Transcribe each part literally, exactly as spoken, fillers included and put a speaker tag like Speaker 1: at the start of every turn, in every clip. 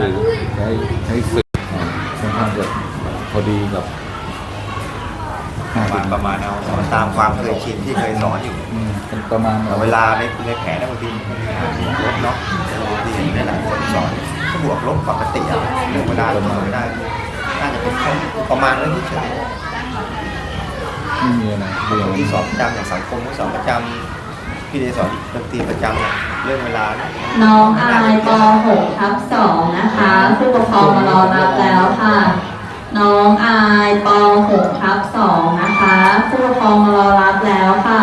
Speaker 1: สื่อใช้ใช้สื่อค่อนข้างจะพอดีกับ
Speaker 2: ประมาณประมาณเอาสอนตามความเคยชินที่เคยสอนอยู่
Speaker 1: ประมาณ
Speaker 2: แต่เวลาในในแผนบางทีลบเนาะบางทีในหลายคนสอนก็บวกลบปกติอะเรื่องเวลาประมาณไม่ได้น่าจะเป็นประมาณนั้นเฉย
Speaker 1: ไม่มีอะไรเรื่อง
Speaker 2: ที่สอนประจำอย่างสังคมที่สอนประจำพี่เดสอนดนตรีประจำเรื่องเวลา
Speaker 3: น้องอายป หก ทับ สองนะคะผู้ปกครองมารอรับแล้วค่ะน้องอายป หก ทับ สองนะคะผู้ปกครองมารอรับแล้วค่ะ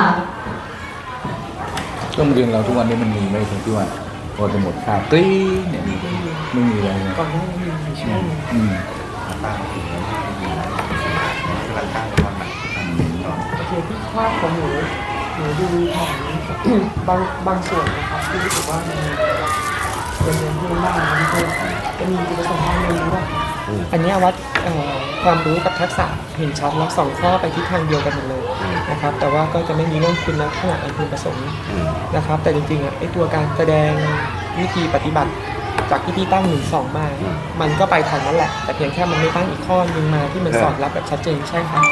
Speaker 1: โรงเรียนเราทุกวันนี้มันมีไหมตรงที่ว่าพอจะหมดคาบตีเนี่ยไม่มีอะไรนะ
Speaker 4: ก่อนหน้านี้มีช่วง
Speaker 1: อืม
Speaker 2: ตั้งถึงแล้วกำลังตั้งตอนไหน
Speaker 4: โอเคที่ภาพของหนูหนูดูของบางบางส่วนนะครับที่รู้สึกว่ามันเป็นเรื่องที่บ้านมันก็จะมีจุดประสงค์ทางเรียนรู้ว่าอันนี้วัดความรู้กับทักษะเห็นชัดแล้วสองข้อไปที่ทางเดียวกันหมดเลยนะครับแต่ว่าก็จะไม่มีเรื่องคุณลักษณะอันพึงประสงค์นะครับแต่จริงๆอ่ะไอ้ตัวการแสดงวิธีปฏิบัติจากที่พี่ตั้งหนึ่งสองมามันก็ไปทันนั่นแหละแต่เพียงแค่มันไม่ตั้งอีกข้อนึงมาที่มันสอดรับแบบชัดเจนใช่ครับ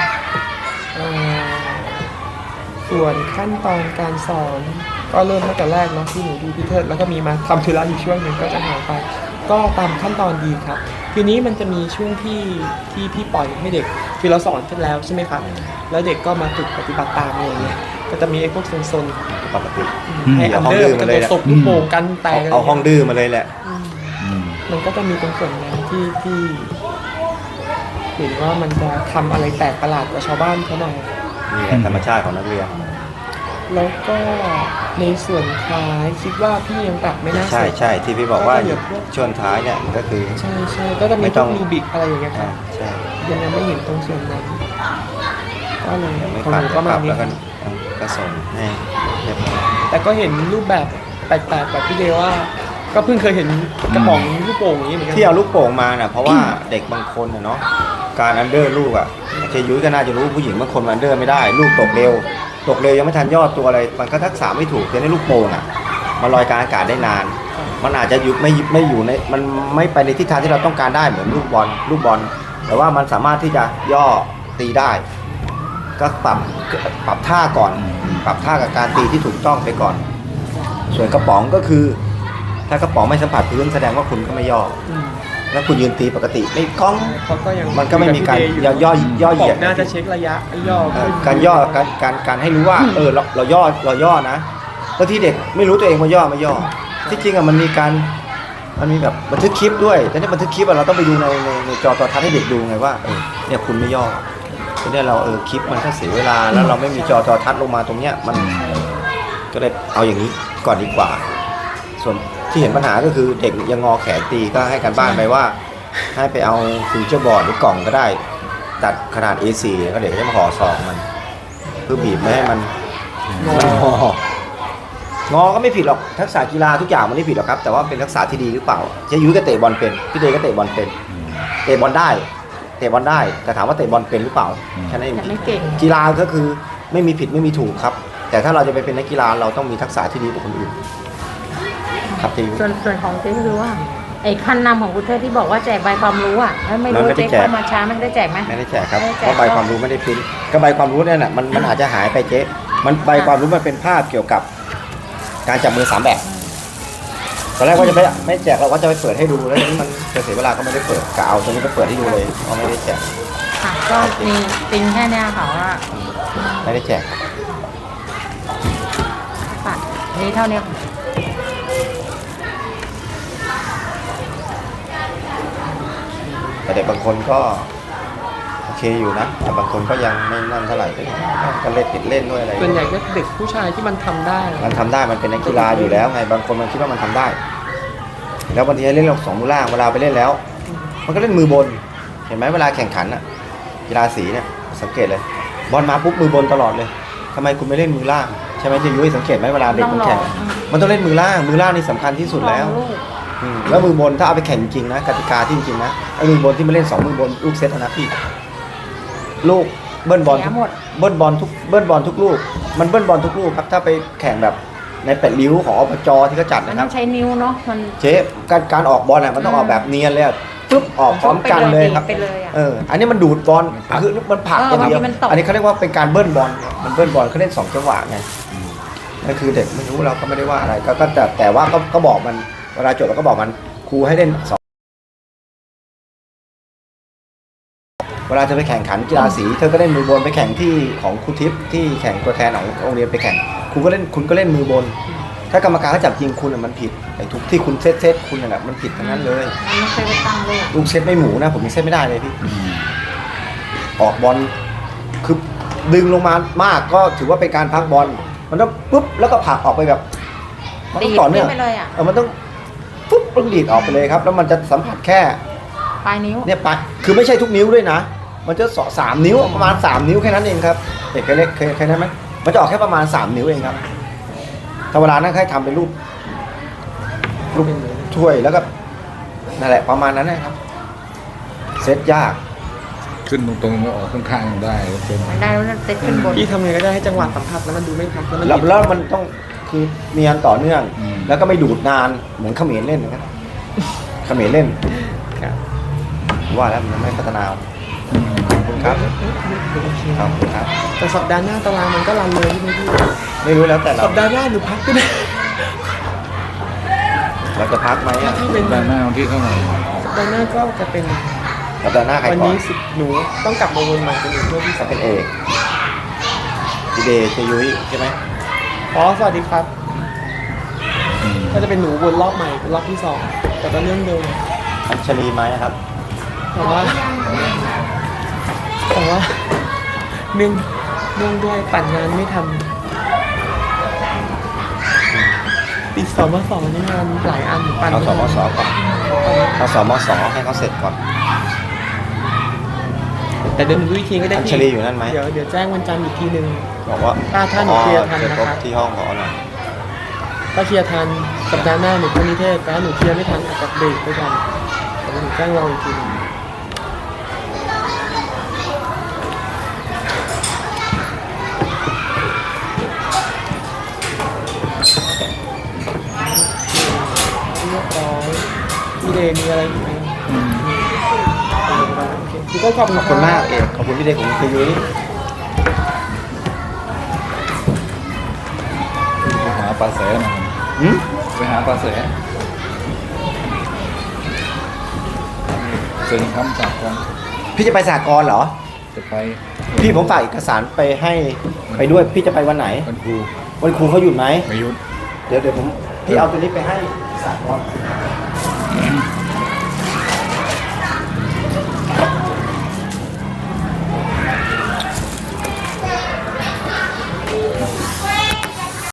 Speaker 4: ส่วนขั้นตอนการสอนก็เริ่มตั้งแต่แรกเนาะที่หนูดูพี่เทิดแล้วก็มีมาทำธุระอยู่ช่วงหนึ่งก็จะหายไปก็ตามขั้นตอนดีครับทีนี้มันจะมีช่วงที่ที่พี่ปล่อยให้เด็กคือเราสอนเสร็จแล้วใช่ไหมครับแล้วเด็กก็มาฝึกปฏิบัติตามอะไรเงี้ยก็จะมีไอ้พวกโซน
Speaker 2: ปกติ
Speaker 4: ให้อันเดอร์กันตัวศพลูกโป่งกันแตก
Speaker 2: เอาห้องดื้อมาเลยแหละ
Speaker 4: มันก็จะมีตรงส่วนนั้นที่ที่เห็นว่ามันจะทำอะไรแปลกประหลาดกว่าชาวบ้านเขาหน่อย
Speaker 2: นี่ธรรมชาติของนักเรียน
Speaker 4: แล้วก็ในส่วนท้ายคิดว่าพี่ยังปรับไม่น่า
Speaker 2: ใช่ใช่ที่พี่บอกว่าช่วงท้ายเนี่ยก็คือ
Speaker 4: ใช่ใช่ก็จะมีต้องรูบิกอะไรอย่างเงี้ยครับ
Speaker 2: ใช่
Speaker 4: ยังไม่เห็นตรงส่วนนั้นก็เลย
Speaker 2: ของหนูก็มาแล้วก็ก็ส่งให้
Speaker 4: แต่ก็เห็นรูปแบบแปลกๆแบบพี่เดว่าก็เพิ่งเคยเห็นกระป๋องลูกโป่งอย่างนี้เหมือนกัน
Speaker 2: ที่เอาลูกโป่งมาน่ะเพราะว่าเด็กบางคนเนาะการอันเดอร์ลูกอ่ะเจยุ้ยก็น่าจะรู้ผู้หญิงบางคนอันเดอร์ไม่ได้ลูกตกเร็วตกเร็วยังไม่ทันยอดตัวอะไรมันก็ทักษะไม่ถูกแต่ในลูกโป่งอ่ะมันลอยกลางอากาศได้นานมันอาจจะอยู่ไม่ไม่อยู่ในมันไม่ไปในทิศทางที่เราต้องการได้เหมือนลูกบอลลูกบอลแต่ว่ามันสามารถที่จะย่อตีได้ก็ปรับปรับท่าก่อนปรับท่ากับการตีที่ถูกต้องไปก่อนส่วนกระป๋องก็คือถ้ากระป๋องไม่สัมผัสพื้นแสดงว่าคุณก็ไม่ย่อแล้วคุณยืนตีปกติไม่คล้องมันก็ไม่มีการย่อย่อย่อเหยียด
Speaker 4: น่าจะเช็คระยะย่อ
Speaker 2: การย่อการการการให้รู้ว่าเออเราเราย่อเราย่อนะบางทีเด็กไม่รู้ตัวเองว่าย่อไม่ย่อที่จริงอะมันมีการมันมีแบบบันทึกคลิปด้วยแต่ในบันทึกคลิปเราต้องไปดูในในในจอโทรทัศน์ให้เด็กดูไงว่าเออเนี่ยคุณไม่ย่อทีนี้เราเออคลิปมันก็เสียเวลาแล้วเราไม่มีจอโทรทัศน์ลงมาตรงเนี้ยมันก็เลยเอาอย่างนี้ก่อนดีกว่าส่วนที่เห็นปัญหาก็คือเด็กยังงอแขนตีก็ให้การบ้านไปว่าให้ไปเอาฟิวเจอร์บอร์ดหรือกล่องก็ได้ตัดขนาด เอ โฟร์ ก็เด็กจะมาห่อซองมันเพื่อบีบไม่ให้มันมันงองอก็ไม่ผิดหรอกทักษะกีฬาทุกอย่างมันไม่ผิดหรอกครับแต่ว่าเป็นทักษะที่ดีหรือเปล่าเจ๊ยุ้ยก็เตะบอลเป็นพี่เดย์ก็เตะบอลเป็นเตะบอลได้เตะบอลได้แต่ถามว่าเตะบอลเป็นหรือเปล่าแค่นั้นเองกีฬาก็คือไม่มีผิดไม่มีถูกครับแต่ถ้าเราจะไปเป็นนักกีฬาเราต้องมีทักษะที่ดีกว่าคนอื่น
Speaker 5: ส่วนส่วนของเจ๊ก็คือว่าไอ้ขั้นนำของคุณเทพที่บอกว่าแจกใบความรู้อ่ะแล้วไม่รู้เจ๊เข้ามาช้ามันได้แจกไหม
Speaker 2: ไม่ได้แจกครับเพราะใบความรู้ไม่ได้พิมพ์ก็ใบความรู้เนี่ยน่ะมันมันอาจจะหายไปเจ๊มันใบความรู้มันเป็นภาพเกี่ยวกับการจับมือสามแบบตอนแรกว่าจะไม่ไม่แจกเราก็จะไปเปิดให้ดูแล้วทีนี้มันจะเสียเวลาก็ไม่ได้เปิดกะเอาตรงนี้ไปเปิดให้ดูเลยเพราะไม่ได้แจก
Speaker 5: ค่ะก็มีติงแค่นี้ค่ะว่า
Speaker 2: ไม่ได้แจก
Speaker 5: ค่ะนี่เท่านี้
Speaker 2: แต่เด็กบางคนก็โอเคอยู่นะแต่บางคนก็ยังไม่นั่นเท่าไหร่ก็เล่นติดเล่นด้วยอะไร
Speaker 4: ส่วนใหญ่ก็เด็กผู้ชายที่มันทำได้
Speaker 2: มันทำได้มันเป็นนักกีฬาอยู่แล้วไงบางคนมันคิดว่ามันทำได้แล้วบางทีเล่นลงสองมือล่างเวลาไปเล่นแล้วมันก็เล่นมือบนเห็นไหมเวลาแข่งขันอะกีฬาสีเนี่ยสังเกตเลยบอลมาปุ๊บมือบนตลอดเลยทำไมคุณไม่เล่นมือล่างใช่ไหมจะยุ้ยสังเกตไหมเวลาเด็กมันแข่งมันต้องเล่นมือล่างมือล่างนี่สำคัญที่สุดแล้วแล้วมือบนถ้าเอาไปแข่งจริงนะกติกาที่จริงนะไอ้มือบนที่มาเล่นสองมือบนลูกเซตนะพี่ลูกเบิ้ลบอลเบิ้ลบอลทุกเบิ้ลบอลทุกลูกมันเบิ้ลบอลทุกลูกครับถ้าไปแข่งแบบในแปดริ้วของอบจที่เขาจัด
Speaker 5: มัน
Speaker 2: นะค
Speaker 5: ต้
Speaker 2: รั
Speaker 5: อบ งใช้นิ้วเนาะมัน
Speaker 2: เชฟการการออกบอลอ่ะมันต้องออกแบบเนียนเลยอะปึ๊บออกพร้อมกันเลยครับ
Speaker 5: ไปเลยอะ
Speaker 2: เอออันนี้มันดูดบอลคือมันผลัก
Speaker 5: เออ
Speaker 2: อย่างเดียว
Speaker 5: บางทีมันตก
Speaker 2: อันนี้เขาเรียกว่าเป็นการเบิ้ลบอลมันเบิ้ลบอลเขาเล่นสองจังหวะไงนั่นคือเด็กไม่รู้เราก็ไม่ได้ว่าอะไรก็ก็แต่แต่ว่าก็ก็บอกมันเวลาจบเราก็บอกมันครูให้เล่นสองเวลาจะไปแข่งขันกีฬาสีเธอก็เล่นมือบนไปแข่งที่ของครูทิพย์ที่แข่งตัวแทนของโรงเรียนไปแข่งครูก็เล่นคุณก็เล่นมือบน ถ้ากรรมการเขาจับจริงคุณอะมันผิดไอ้ทุกที่คุณเซตเซตคุณน่ะมันผิดทั้งนั้นเลย
Speaker 5: มันไม่เคยไปตั้งเลยอะ
Speaker 2: ลูกเซตไม่หมูนะผมยังเซตไม่ได้เลยพี่ออกบอลคือดึงลงมามากก็ถือว่าเป็นการพักบอลมันต้องปุ๊บแล้วก็ผลักออกไปแบบมันต้องต่อเนื่อง
Speaker 5: ดีดขึ้นไปเลยอะ
Speaker 2: เออมันต้องปุ๊บต้องดีดออกไปเลยครับ แล้วมันจะสัมผัสแค่
Speaker 5: ปลายนิ้ว
Speaker 2: เนี่ยปะคือไม่ใช่ทุกนิ้วด้วยนะ มันจะสอสามนิ้วประมาณสามนิ้วแค่นั้นเองครับเด็กเคยเล่นเคยเคยนั้นไหมมันจะออกแค่ประมาณสามนิ้วเองครับถ้าเวลานั้นให้ทำเป็นรูปรูปถ้วยแล้วก็นั่นแหละประมาณนั้นนะครับเซตยาก
Speaker 1: ขึ้นตรงๆไม่ออกข้างๆได้เป็น
Speaker 5: มันได้แล้วเต็ขึ้นบน
Speaker 4: พี่ทำไงก็ได้ให้จังหวะสัมผัสแล้วมันดูไม่พักแล้วมัน
Speaker 2: แล้ว
Speaker 4: ดีด
Speaker 2: แล้วมันต้องคือเนียนต่อเนื่อง แล้วก็ไม่ดูดนานเหมือนเขมรเล่นนะครับเขมรเล่น
Speaker 4: ครับ
Speaker 2: ว่าแล้วมันไม่พัฒนาขอบคุณครับขอบคุณครับ
Speaker 4: แต่สัปดาห์หน้าตารางมันก็รันเลยใช่ไหมพี่
Speaker 2: ไม่รู้แล้วแต่เรา
Speaker 4: สัปดาห์หน้าหนูพักก็ได้
Speaker 2: เราจะพักไหมอ่ะ
Speaker 4: ถ้าเป็น
Speaker 1: ด้านหน้าวันที่เท่าไหร่
Speaker 4: สัปดาห์หน้าก็จะเป็น
Speaker 2: สัปดาห์หน้าใคร
Speaker 4: วัน
Speaker 2: ก่อน
Speaker 4: นี้สิบหนูต้องกลับมาวนใหม่เป็นหนูเพื่อที่
Speaker 2: จะ
Speaker 4: สาม
Speaker 2: เป็นเอกพีเดย์เจยุ้ยใช่ไหม
Speaker 4: อ๋อสวัสดีครับก็จะเป็นหนูวนรอบใหม่เป็นรอบที่สองแต่ก็เรื่องเดิม
Speaker 2: อัญชลีไหมครับ
Speaker 4: แต่ว่าแต่ว่าเนื่องเนื่องด้วยปั่นงานไม่ทันติดสมสนี่งานหลายอันปั่น
Speaker 2: เอาสม
Speaker 4: ไทัน
Speaker 2: สก่อนเอาสมสให้เขาเสร็จก่อน
Speaker 4: แต่เดี๋ยวหนูดูอีกทีก็ได้
Speaker 2: อัญ
Speaker 4: พี่
Speaker 2: ชลีอยู่นั่นไหม
Speaker 4: เดี๋ยวเดี๋ยวแจ้งวันจันทร์อีกทีหนึ่ง
Speaker 2: บอกว่า
Speaker 4: ถ้าถ้าหนูเคลียร์ทัน
Speaker 2: จะ
Speaker 4: นะ
Speaker 2: ครบ
Speaker 4: ครับ
Speaker 2: ที่ห้องขอหน่อย
Speaker 4: ถ้าเคลียร์ทันสัปดาห์หน้าหนูเข้านิเทศแต่ถ้าหนูเคลียร์ไม่ทันอาจจะเบรกไปก่อนแต่หนูแจ้งเราอีกทีหนึงเรียบร้อยพี่เดย์มีอะไรอีกไหมโอเคพี่ก็ขอบคุณ
Speaker 2: ขอบคุณมากเอกขอบคุณพี่เดย์ของเจยุ้ย
Speaker 1: ไปหาปลาแสหน่อย
Speaker 2: หืม
Speaker 1: ไปหาปลาแสเซ็นคำจากกัน
Speaker 2: พี่จะไปสหกรณ์เหรอ
Speaker 1: จะไป
Speaker 2: พี่ผมฝากเอกสารไปให้ไปด้วย พี่จะไปวันไหน
Speaker 1: วันครู
Speaker 2: วันครูเขาหยุดไหม
Speaker 1: ไม่หยุด
Speaker 2: เดี๋ยวเดี๋ยวผมพี่เอาตัวนี้ไปให้สหกรณ์